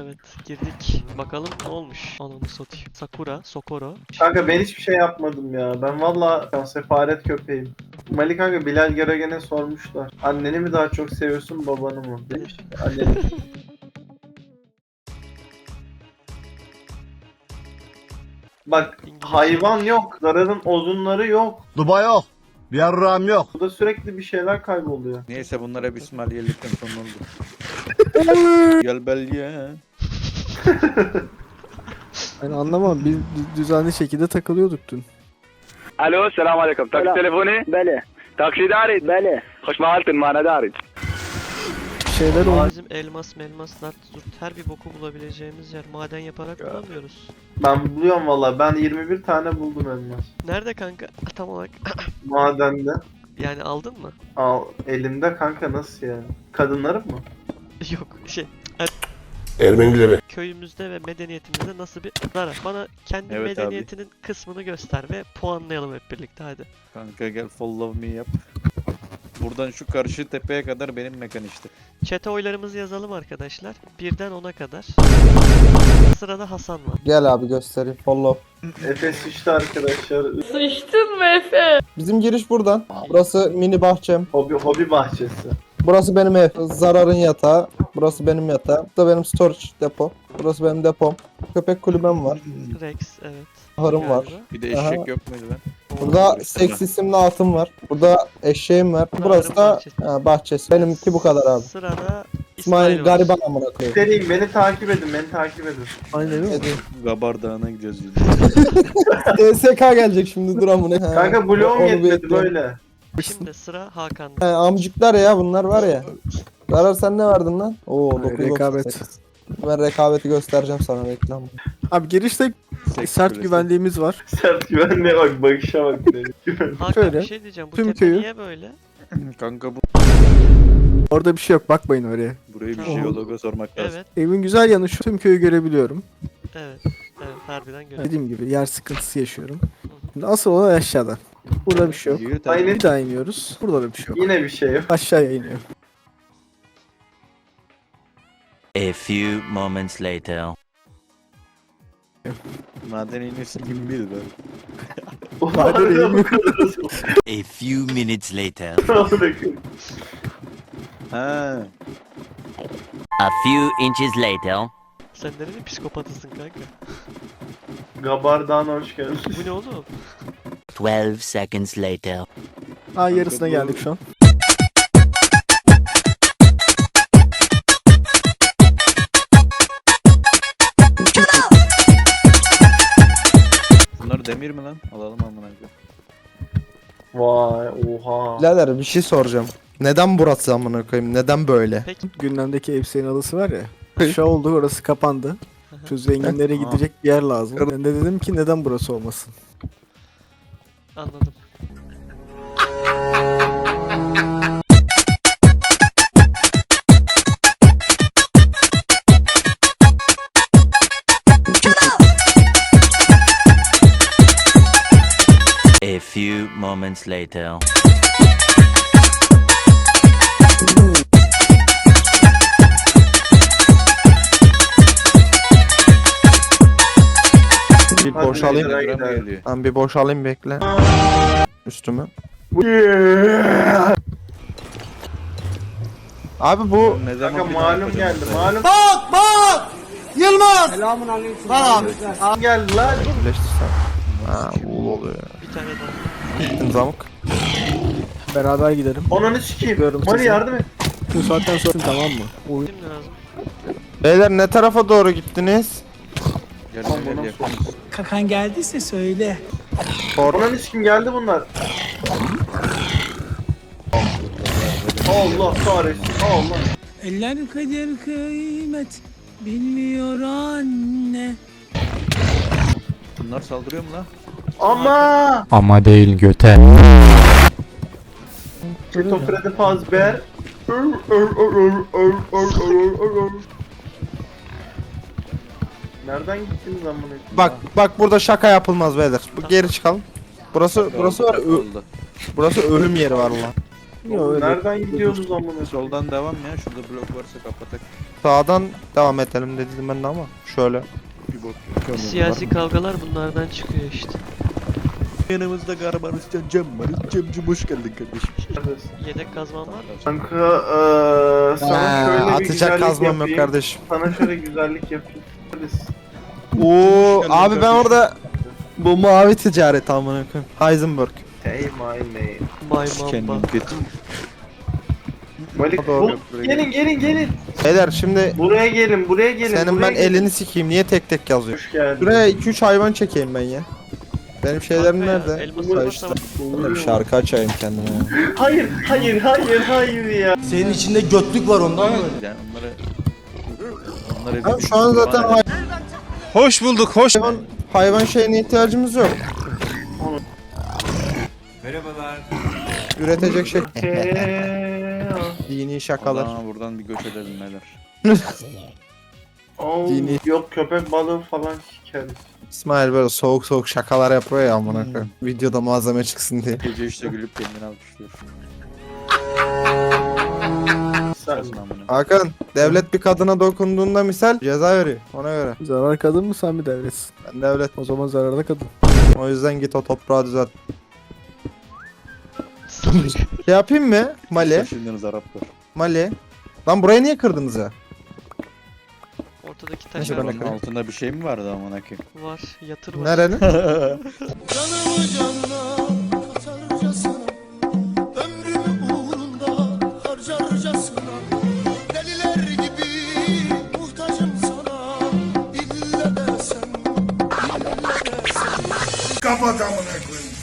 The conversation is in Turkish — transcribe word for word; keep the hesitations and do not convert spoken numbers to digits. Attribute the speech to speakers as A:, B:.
A: Evet girdik. Bakalım ne olmuş. Ananı satayım. Sakura, Sokoro.
B: Kanka ben hiçbir şey yapmadım ya. Ben valla ben sefaret köpeğim. Mali kanka Bilal Geragen'e sormuşlar. Anneni mi daha çok seviyorsun babanı mı? Demiş ki anneni. Bak hayvan yok. Zararın ozunları yok.
C: Duba yok. Bir yarrağım yok.
B: Burada sürekli bir şeyler kayboluyor.
D: Neyse bunlar hep İsmailiyellikten sonra oldu. Gel belge.
E: Ben anlamam. Biz düzenli şekilde takılıyorduk dün.
F: الو السلام عليكم تاكسي تليفوني
G: بله
F: تاكسي داري
G: بله
F: خوش مالتن ما انا داري
E: Şeyler oldu.
A: Bizim elmas, melmas, nart, zurt her bir boku bulabileceğimiz yer. Maden yaparak bulamıyoruz.
B: Ben buluyorum valla. Ben yirmi bir tane buldum elmas.
A: Nerede kanka? Tam olarak.
B: Madende.
A: Yani aldın mı?
B: Al elimde kanka nasıl ya? Kadınlarım mı?
A: Yok şey.
C: Ermenileri.
A: Köyümüzde ve medeniyetimizde nasıl bir zarar? Bana kendi
D: Evet
A: medeniyetinin kısmını göster ve puanlayalım hep birlikte hadi.
D: Kanka gel follow me yap. Buradan şu karşı tepeye kadar benim mekan işte.
A: Chat'e oylarımızı yazalım arkadaşlar. Birden ona kadar. Sırada Hasan var.
E: Gel abi göstereyim. Follow.
B: Efes işte arkadaşlar.
H: Sıçtın mı Efe?
E: Bizim giriş buradan. Burası mini bahçem.
B: Hobi, hobi bahçesi.
E: Burası benim ev. Zararın yatağı. Burası benim yatağım. Bu da benim storage depo. Burası benim depom. Köpek kulübem var.
A: Rex evet.
E: Ahırım var.
A: Galiba.
D: Bir de
E: Aha.
D: eşek yok muydu lan?
E: Burada seks isimli atım var. Burada eşeğim var. Burası da ha, bahçesi. Benimki bu kadar abi.
A: Sırada
E: İsmail
A: İsmail var.
E: gariban amına koyayım.
B: Dediğim beni takip edin, beni takip edin.
E: Aynen öyle.
D: Gabar Dağı'na gidiyoruz biz.
E: D S K gelecek şimdi dur amına. Ha,
B: Kanka bloğum
E: onu
B: yetmedi
E: bekliyorum.
B: böyle.
A: Şimdi sıra Hakan'da.
E: He, amcıklar ya bunlar var ya. Zarar sen ne verdin lan? Oo
I: Ay,
E: dokuz doksan
I: rekabet.
E: sekiz. Ben rekabeti göstereceğim sana reklam.
I: Abi girişte
D: Seks
I: sert
D: kulesi.
I: güvenliğimiz var.
B: Sert güvenliğe bak, bakışa bak. Güven.
A: Hakan
I: Şöyle,
A: bir şey diyeceğim. Bu
I: tüm
A: tepe
I: köyü-
A: niye böyle?
D: Kanka bu
I: Orada bir şey yok, bakmayın oraya.
D: burayı bir
A: Tamam.
D: jeologa sormak lazım.
A: Evet.
I: Evin güzel yanı şu, tüm köyü görebiliyorum.
A: Evet. Evet harbiden göre.
I: Dediğim gibi yer sıkıntısı yaşıyorum. Şimdi asıl olan aşağıda. Burada bir şey yok.
D: Yürü
B: Aynen.
I: Bir daha iniyoruz. Burada da bir şey yok.
B: Yine bir şey yok.
I: Aşağıya iniyor.
J: A few moments later.
D: Maden iniyorsun gibi bir de.
J: A few minutes later.
D: Ha.
J: A few inches later.
A: Sen nerenin psikopatısın kanka?
B: Gabardan hoş geldin.
A: Bu ne oğlum?
J: Twelve seconds later.
I: Aa yarısına geldik şu an.
D: Bunlar demir mi lan? Alalım amına koyayım.
B: Vay oha.
E: Birader bir şey soracağım. Neden burası amına koyayım? Neden böyle?
A: Peki.
I: Gündemdeki elbisenin alısı var ya. Şu oldu, orası kapandı. Şu zenginlere gidecek bir yer lazım. Ben de dedim ki neden burası olmasın?
A: Anladım.
J: A few moments later.
E: Bir
B: Hadi
E: boşalayım.
B: beyler.
D: Gram
B: gidelim.
D: geliyor.
E: Ben bir boşalayım bekle. Üstümü. Abi bu
D: Ne zaman
B: Kanka
D: bir daha
B: malum
D: yapacağız
B: geldi,
D: mesela?
B: malum.
C: Bak bak. Yılmaz.
B: Malum geldi lan.
E: birleştirsen. Ha uğul oluyor.
A: Bir tane daha.
E: Gittim zamık.
I: Beraber gidelim.
B: Ananı sikeyim.
I: Görüyorum
B: Mali
I: sizi.
B: yardım et.
I: Şu saatten sonra tamam mı? Oyun
A: Şimdi lazım.
E: Beyler ne tarafa doğru gittiniz?
D: Gel
B: Tamam,
D: gel
B: bu
D: gel.
B: nasıl?
G: Kakan geldiyse söyle.
B: Ananı sikeyim geldi bunlar. Allah kahretsin. Allah.
G: Eller kader kıymet bilmiyor anne.
D: Bunlar saldırıyor mu lan?
B: Ama.
K: Ama değil göte.
B: Keto Freddy Fazbear. Nereden gittiniz amına koyayım?
E: Bak bak burada şaka yapılmaz beyler. Bu geri çıkalım. Burası burası var. Ö-
D: Oldu.
E: burası ölüm yeri var lan.
I: Yok öyle.
B: Nereden gidiyorsunuz amına?
D: Soldan devam ya. Şurada blok varsa kapatak.
E: Sağdan devam edelim dedim ben de ama şöyle.
D: Bir bok yok.
A: Siyasi kavgalar bunlardan çıkıyor işte.
D: Yanımızda Garbarus Can Cem var. Cemcim hoş geldin kardeşim.
B: Neredesin?
A: Yedek kazman var mı?
B: Kanka eee sana
E: Ha,
B: şöyle bir
E: atacak
B: güzellik
E: kazmam yok
B: yapayım.
E: kardeşim.
B: Sana şöyle güzellik yapayım. Neredesin?
E: Oo
D: geldin
E: abi ben
D: kardeşim.
E: orada bu mavi ticaret amına koyayım. Heisenberg.
B: Say my name.
A: My
D: Kendim
A: mamba.
D: kötü.
B: Malik
E: Doğru.
B: bu- gelin gelin gelin.
E: Beyler şimdi
B: Buraya gelin buraya gelin.
E: senin
B: buraya
E: ben
B: gelin.
E: elini sikeyim niye tek tek yazıyor?
B: Hoş geldin.
E: Şuraya iki üç hayvan çekeyim ben ya. Benim şeylerim
A: Kanka ya,
E: nerede?
A: elması
E: Ha
A: var,
E: işte.
A: tamam.
E: Böyle bir şarkı açayım kendime ya.
B: Hayır hayır hayır hayır ya.
C: Senin içinde götlük var ondan mı?
D: Yani onları... Onları
E: Ha, şu an zaten hay-
C: Hoş bulduk, hoş.
E: hayvan, hayvan şeyine ihtiyacımız yok.
C: Merhabalar.
E: Üretecek şey.
B: Eee,
E: Dini şakalar.
D: Aa, buradan bir göç edelim neler.
B: oo,
E: Dini.
B: yok köpek balığı falan sikeriz.
E: İsmail böyle soğuk soğuk şakalar yapıyor ya amına koyayım. Videoda malzeme çıksın diye.
D: Gece işte gülüp kendini alkışlıyor.
B: Sen
D: Kasın amına.
E: Hakan, devlet bir kadına dokunduğunda misal ceza veriyor. Ona göre.
I: Zarar kadın mı sen mi devretsin?
E: Ben devlet.
I: O zaman zararda kadın.
E: O yüzden git o toprağı düzelt. Şey yapayım mı? Mali.
D: Taşındığınız Araplar.
E: Mali. Lan burayı niye kırdınız ya?
A: Ortadaki
E: Neyse,
A: taşlar
E: ben
A: var.
E: de-
D: Buranın altında bir şey mi vardı amına koyayım?
A: Var. Yatır var.
E: Nerenin?
C: Canımı canına katarcasına, ömrümü uğrunda harcarcasına, deliler gibi muhtacım sana, ille de sen, ille de sen. Kapat amına koyayım.